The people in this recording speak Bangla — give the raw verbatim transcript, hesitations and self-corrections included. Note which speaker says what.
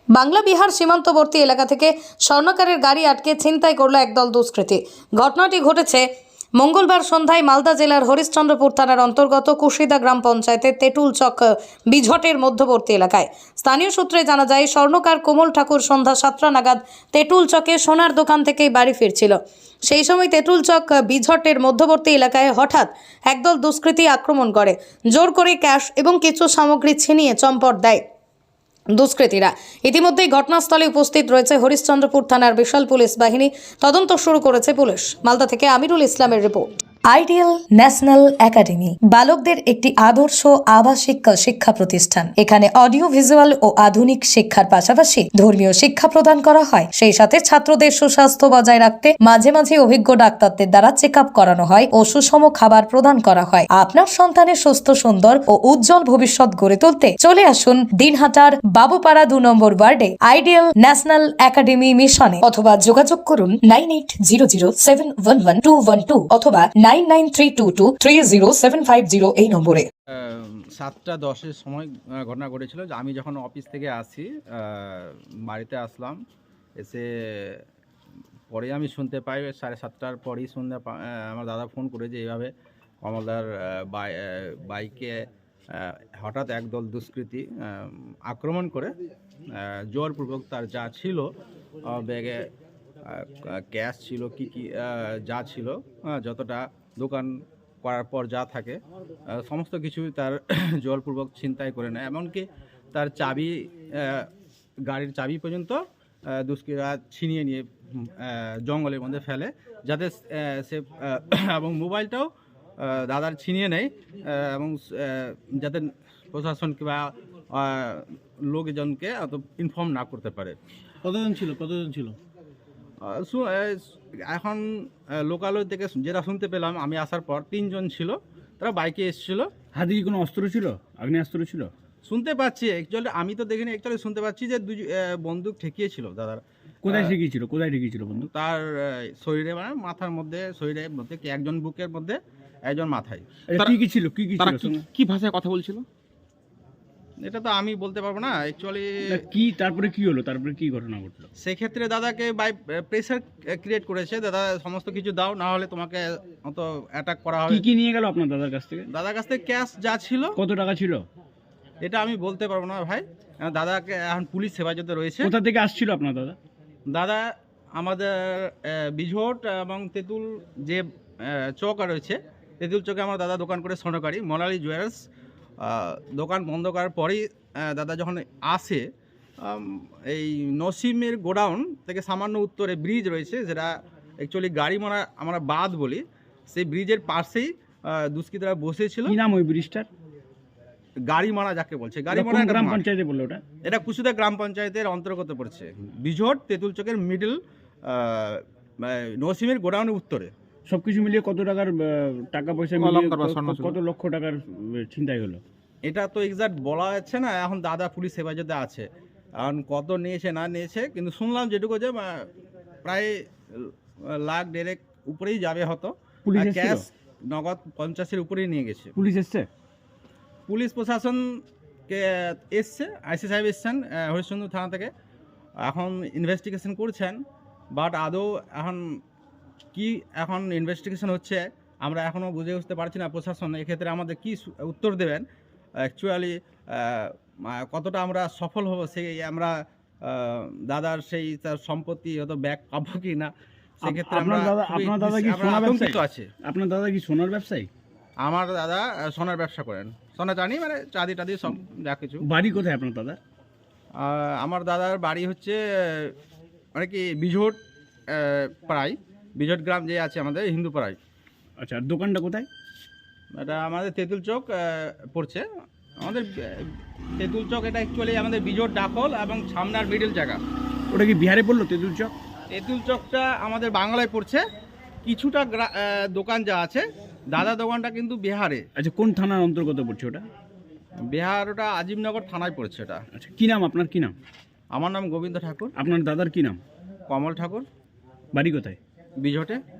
Speaker 1: বাংলা বিহার সীমান্তবর্তী এলাকা থেকে স্বর্ণকারের গাড়ি আটকে ছিনতাই করলো একদল দুষ্কৃতী। ঘটনাটি ঘটেছে মঙ্গলবার সন্ধ্যায় মালদা জেলার হরিশ্চন্দ্রপুর থানার অন্তর্গত কুশিদা গ্রাম পঞ্চায়েতের তেঁতুল চক বিঝটের মধ্যবর্তী এলাকায়। স্থানীয় সূত্রে জানা যায়, স্বর্ণকার কোমল ঠাকুর সন্ধ্যা সাতটা নাগাদ তেঁতুল চকে সোনার দোকান থেকেই বাড়ি ফিরছিল। সেই সময় তেঁতুল চক বিঝটের মধ্যবর্তী এলাকায় হঠাৎ একদল দুষ্কৃতী আক্রমণ করে, জোর করে ক্যাশ এবং কিছু সামগ্রী ছিনিয়ে চম্পট দেয় দুষ্কৃতীরা। ইতিমধ্যেই ঘটনাস্থলে উপস্থিত রয়েছে হরিশ্চন্দ্রপুর থানার বিশাল পুলিশ বাহিনী। তদন্ত শুরু করেছে পুলিশ। মালদা থেকে আমিরুল ইসলামের রিপোর্ট। আইডিয়াল ন্যাশনাল একাডেমি বালকদের একটি আদর্শ আবাসিক শিক্ষা প্রতিষ্ঠান। এখানে অডিও ভিজুয়াল ও আধুনিক শিক্ষার পাশাপাশি ধর্মীয় শিক্ষা প্রদান করা হয়। সেই সাথে ছাত্রদের সুস্বাস্থ্য বজায় রাখতে মাঝে মাঝে অভিজ্ঞ ডাক্তারদের দ্বারা চেক আপ করানো হয় ও সুষম খাবার প্রদান করা হয়। আপনার সন্তানের সুস্থ, সুন্দর ও উজ্জ্বল ভবিষ্যৎ গড়ে তুলতে চলে আসুন দিনহাটার বাবুপাড়া দু নম্বর ওয়ার্ডে আইডিয়াল ন্যাশনাল একাডেমি মিশনে, অথবা যোগাযোগ করুন nine eight zero zero seven one one two one two অথবা nine nine three two two three zero seven five zero এই নম্বরে।
Speaker 2: সাতটা দশের সময় ঘটনা ঘটেছিল যে আমি যখন অফিস থেকে আসি, বাড়িতে আসলাম, এসে পরে আমি শুনতে পাই সাড়ে সাতটার পরেই শুনতে আমার দাদা ফোন করে যে এইভাবে কমলদার বাইকে হঠাৎ একদল দুষ্কৃতী আক্রমণ করে জোরপূর্বক তার যা ছিল ব্যাগে ক্যাশ ছিল, কি কি যা ছিল, যতটা দোকান করার পর যা থাকে সমস্ত কিছু তার জোরপূর্বক ছিনতাই করে নেয়। এমনকি তার চাবি, গাড়ির চাবি পর্যন্ত দুষ্কৃতীরা ছিনিয়ে নিয়ে জঙ্গলের মধ্যে ফেলে, যাতে সে এবং মোবাইলটাও দাদার ছিনিয়ে নেয় এবং যাতে প্রশাসন কিংবা লোকজনকে অত ইনফর্ম না করতে পারে।
Speaker 3: কতজন ছিল কতজন ছিল
Speaker 2: এখন লোকালয় থেকে যেটা শুনতে পেলাম আমি আসার পর, তিনজন ছিল, তারা বাইকে এসেছিল।
Speaker 3: হাতে কি কোনো অস্ত্র ছিল, আগ্নেয়াস্ত্র ছিল?
Speaker 2: শুনতে পাচ্ছি, অ্যাকচুয়ালি আমি তো দেখিনি, অ্যাকচুয়ালি শুনতে পাচ্ছি যে দুই বন্দুক ঠেকিয়েছিল দাদার।
Speaker 3: কোথায় ঠেকিয়েছিল কোথায় ঠেকিয়েছিল বন্দুক?
Speaker 2: তার শরীরে, মানে মাথার মধ্যে, শরীরের মধ্যে, একজন বুকের মধ্যে, একজন মাথায়।
Speaker 3: কি কি ছিল, কি কি ছিল,
Speaker 4: কি ভাষায় কথা বলছিল
Speaker 2: এটা তো আমি বলতে পারবো না অ্যাকচুয়ালি।
Speaker 3: কি তারপরে কি হলো, তারপরে কি ঘটনা ঘটলো?
Speaker 2: সেক্ষেত্রে দাদাকে বাই প্রেসার ক্রিয়েট করেছে, দাদা সমস্ত কিছু দাও, না হলে তোমাকে অত অ্যাটাক করা হবে।
Speaker 3: কি কি নিয়ে গেল আপনার দাদার কাছ থেকে?
Speaker 2: দাদার কাছ থেকে ক্যাশ যা ছিল।
Speaker 3: কত টাকা ছিল
Speaker 2: এটা আমি বলতে পারবো না ভাই, দাদাকে এখন পুলিশ হেফাজতে রয়েছে।
Speaker 3: কোথা থেকে আসছিল আপনার দাদা?
Speaker 2: দাদা আমাদের বিঝট এবং তেঁতুল যে চক রয়েছে, তেঁতুল চকে আমার দাদা দোকান করে স্বর্ণকারী মোনালি জুয়েলার্স। দোকান বন্ধ করার পরেই দাদা যখন আসে, এই নসিমের গোডাউন থেকে সামান্য উত্তরে ব্রিজ রয়েছে, যেটা অ্যাকচুয়ালি গাড়ি মারা আমরা বাদ বলি, সেই ব্রিজের পাশেই দুষ্কৃতীরা বসেছিল।
Speaker 3: কি নাম ওই ব্রিজটার?
Speaker 2: গাড়ি মারা যাকে বলছে, গাড়ি মারা
Speaker 3: গ্রাম পঞ্চায়েতে বললো ওটা?
Speaker 2: এটা কুশিদা গ্রাম পঞ্চায়েতের অন্তর্গত পড়ছে। বিঝট তেঁতুল চকের মিডল নসিমের গোডাউনের উত্তরে।
Speaker 3: সবকিছু মিলিয়ে কত টাকার টাকা পয়সা, কত লক্ষ টাকার ছিনতাই হলো?
Speaker 2: এটা তো এক্সাক্ট বলা যাচ্ছে না, এখন দাদা পুলিশ হেফাজতে আছে, এখন কত নিয়েছে না নিয়েছে, কিন্তু শুনলাম যেটুকু যে প্রায় লাখ দেড়েক উপরেই যাবে হতো। ক্যাশ নগদ পঞ্চাশের উপরেই নিয়ে গেছে।
Speaker 3: পুলিশ এসছে?
Speaker 2: পুলিশ প্রশাসনকে এসছে, আইসি সাহেব এসছেন হরিশ্চন্দ্র থানা থেকে, এখন ইনভেস্টিগেশন করছেন। বাট আদৌ এখন কি এখন ইনভেস্টিগেশন হচ্ছে, আমরা এখনও বুঝে উঠতে পারছি না প্রশাসন এক্ষেত্রে আমাদের কি উত্তর দেবেন। অ্যাকচুয়ালি কতটা আমরা সফল হব, সেই আমরা দাদার সেই তার সম্পত্তি হয়তো ব্যাক পাবো কি না, সেক্ষেত্রে আমরা
Speaker 3: আপনার দাদা কি সোনার ব্যবসায়ী আছে? আপনার দাদা কি সোনার ব্যবসায়ী?
Speaker 2: আমার দাদা সোনার ব্যবসা করেন, সোনা চাঁদি, মানে চাঁদি টাদি সব যা কিছু।
Speaker 3: বাড়ি কোথায় আপনার দাদা?
Speaker 2: আমার দাদার বাড়ি হচ্ছে মানে কি বিঝট পাড়ায়, বিঝট গ্রাম যে আছে আমাদের হিন্দু পাড়ায়।
Speaker 3: আচ্ছা, আর দোকানটা কোথায়?
Speaker 2: এটা আমাদের তেঁতুল চক পড়ছে, আমাদের তেঁতুল চক। এটা অ্যাকচুয়ালি আমাদের বিঝট ডাকল এবং সামনার মিডল জায়গা।
Speaker 3: ওটা কি বিহারে পড়লো তেঁতুল চক?
Speaker 2: তেঁতুল চকটা আমাদের বাংলায় পড়ছে, কিছুটা দোকান যা আছে, দাদা দোকানটা কিন্তু বিহারে।
Speaker 3: আচ্ছা, কোন থানার অন্তর্গত পড়ছে ওটা?
Speaker 2: বিহার, ওটা আজিমনগর থানায় পড়ছে এটা।
Speaker 3: আচ্ছা, কি নাম আপনার? কি নাম?
Speaker 2: আমার নাম গোবিন্দ ঠাকুর।
Speaker 3: আপনার দাদার কি নাম?
Speaker 2: কমল ঠাকুর।
Speaker 3: বাড়ি কোথায়?
Speaker 2: বিঝটে।